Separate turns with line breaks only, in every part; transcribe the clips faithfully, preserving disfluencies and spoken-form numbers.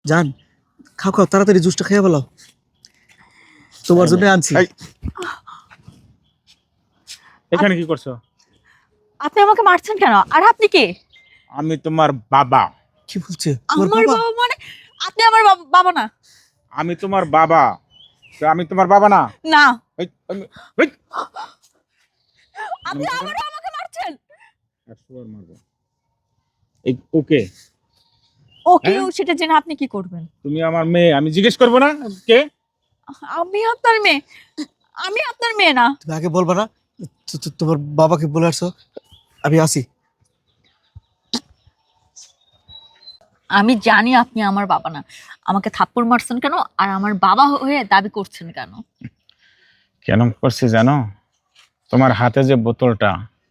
জান, খাও খাও তাড়াতাড়ি জুসটা খেয়ে ফেলো, তোমার জন্য আনছি।
এখানে কি করছো?
আপনি আমাকে মারছেন কেন? আর আপনি কে?
আমি তোমার বাবা।
কি বলছে? তোমার
আমার
বাবা?
বাবা মানে আপনি আমার বাবা- বাবা না।
আমি তোমার বাবা। তো আমি তোমার বাবা না?
না,
এই, আমি- এই,
আপনি আবারও আমাকে মারছেন।
একশো বার মারবো। এই ওকে,
ওকে,
হ্যাঁ?
সেটা জেনে আপনি কি করবেন?
তুমি আমার মেয়ে, আমি জিজ্ঞেস করবো না কে?
আমি আপনার মেয়ে, আমি আপনার মেয়ে না।
তুমি আগে বলবা না? তো- তো- তোমার বাবাকে বলে আসছো, আমি আসি।
আমি জানি আপনি আমার বাবা না। আমাকে থাপ্পড় মারছেন কেন আর আমার বাবা হয়ে দাবি করছেন কেন?
কেন করছি জানো? তোমার হাতে যে বোতলটা,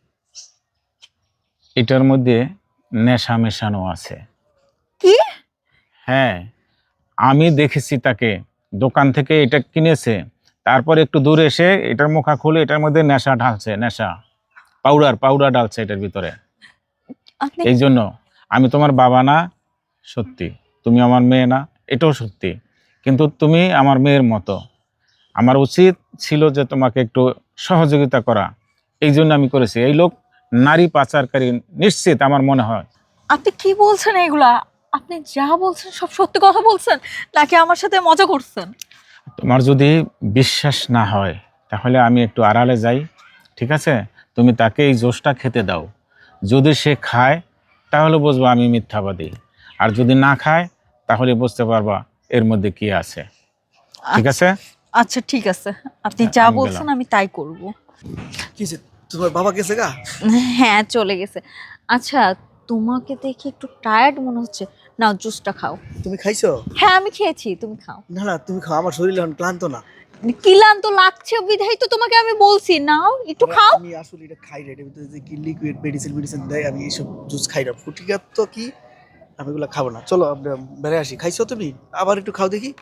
এটার মধ্যে নেশা মেশানো আছে।
কি?
হ্যাঁ, আমি দেখেছি তাকে, দোকান থেকে এটা কিনেছে, তারপর একটু দূরে এসে এটার মুখা খুলে এটার মধ্যে নেশা ঢালছে, নেশা পাউডার পাউডার ঢালছে এটার ভিতরে।
আপনি
এই জন্য আমি তোমার বাবা না, সত্যি। তুমি আমার মেয়ে না, এটাও সত্যি। কিন্তু তুমি আমার মেয়ের মতো, আমার উচিত ছিল যে তোমাকে একটু সহযোগিতা করা। এই জন্য আমি করেছি। এই লোক নারী পাচারকারী, নিশ্চিত আমার মনে হয়।
আপনি কি বলছেন এগুলা? আপনি যা বলছেন সব সত্যি কথা বলছেন নাকি আমার সাথে মজা করছেন?
তোমার যদি বিশ্বাস না হয় তাহলে আমি একটু আড়ালে যাই, ঠিক আছে? তুমি তাকে এই জোশটা খেতে দাও। যদি সে খায় তাহলে বুঝবো আমি মিথ্যাবাদী, আর যদি না খায় তাহলে বুঝতে পারবা এর মধ্যে কি আছে, ঠিক আছে?
আচ্ছা ঠিক আছে, আপনি যা
আমি
বলছেন
গেলাম।
আমি তাই করব।
কি হয়েছে? তোমার বাবা গেছে গা?
হ্যাঁ, চলে গেছে। আচ্ছা, তোমাকে দেখে একটু টায়ার্ড মনে হচ্ছে, নাও জুসটা খাও।
তুমি খাইছো?
হ্যাঁ, আমি খেয়েছি, তুমি খাও।
না না, তুমি খাও, আমার শরীর এখন ক্লান্ত না।
ক্লান্ত লাগছে বিধাই তো তোমাকে আমি বলছি নাও একটু
আমি-
খাও।
আমি আসলে এটা খাই না, এটার ভিতরে যে কি লিকুইড মেডিসিন মেডিসিন দেয়, আমি এইসব জুস খাই না। ফুটিকা তো কি, আমি এগুলো খাবো না। চলো আমরা বেড়ে আসি। খাইছো তুমি? আবার একটু খাও দেখি,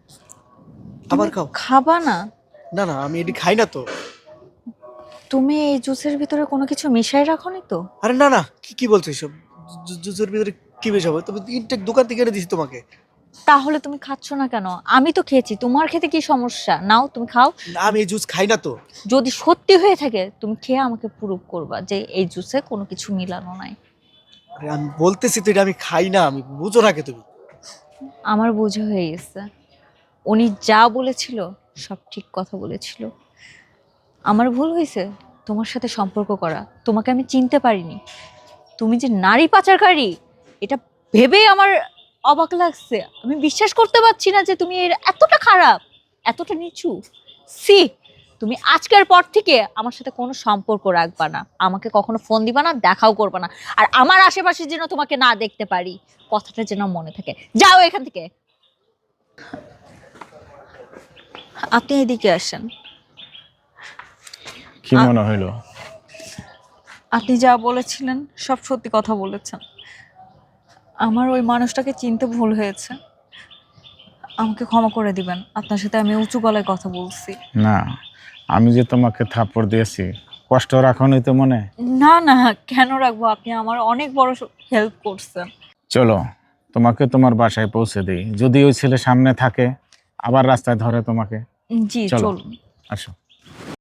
আবার
তুমি
খাও।
খাবা না?
না না, আমি এটি খাই না তো।
তুমি এই জুসের ভিতরে কোনো কিছু মিশাই রাখোনি তো?
আরে না না, কি কি বলছো এসব? জু- জুসের ভিতরে কি বেশ হবে? তুমি ইনটেক দোকান থেকে এনে দিছি তোমাকে।
তাহলে তুমি খাচ্ছ না কেন? আমি তো খেয়েছি, তোমার খেতে কি সমস্যা? নাও তুমি খাও।
না, আমি এই জুস খাই না তো।
যদি সত্যি হয়ে থাকে তুমি খেয়ে আমাকে প্রুভ করবা যে এই জুসে কোনো কিছু মিলানো নাই।
আরে আমি বলতেছি তো এটা আমি খাই না, আমি বুঝো না কে তুমি?
আমার বোঝা হয়ে গেছে, উনি যা বলেছিল সব ঠিক কথা বলেছিল। আমার ভুল হয়েছে তোমার সাথে সম্পর্ক করা, তোমাকে আমি চিনতে পারিনি। তুমি যে নারী পাচারকারী এটা ভেবেই আমার অবাক লাগছে। আমি বিশ্বাস করতে পারছি না যে তুমি এর এতটা খারাপ, এতটা নিচু। সি, তুমি আজকের পর থেকে আমার সাথে কোনো সম্পর্ক রাখবা না, আমাকে কখনো ফোন দিবা না, দেখাও করবা না। আর আমার আশেপাশে যেন তোমাকে না দেখতে পারি, কথাটা যেন মনে থাকে। যাও এখান থেকে। আপনি এদিকে আসেন।
কি মনে হইলো?
আপনি যা বলেছিলেন সব সত্যি কথা বলেছেন। আমার ওই মানুষটাকে চিনতে ভুল হয়েছে, আমাকে ক্ষমা করে দিবেন। আপনার সাথে আমি উঁচু গলায় কথা বলছি।
না, আমি যে তোমাকে থাপ্পড় দিয়েছি, কষ্ট রাখোনি তো মনে?
না না, কেন রাখবো? আপনি আমার অনেক বড় হেল্প করছেন।
চলো তোমাকে তোমার বাসায় পৌঁছে দিই, যদি ওই ছেলে সামনে থাকে আবার রাস্তায় ধরে তোমাকে।
জি
চলো।
চলুন।
আসো।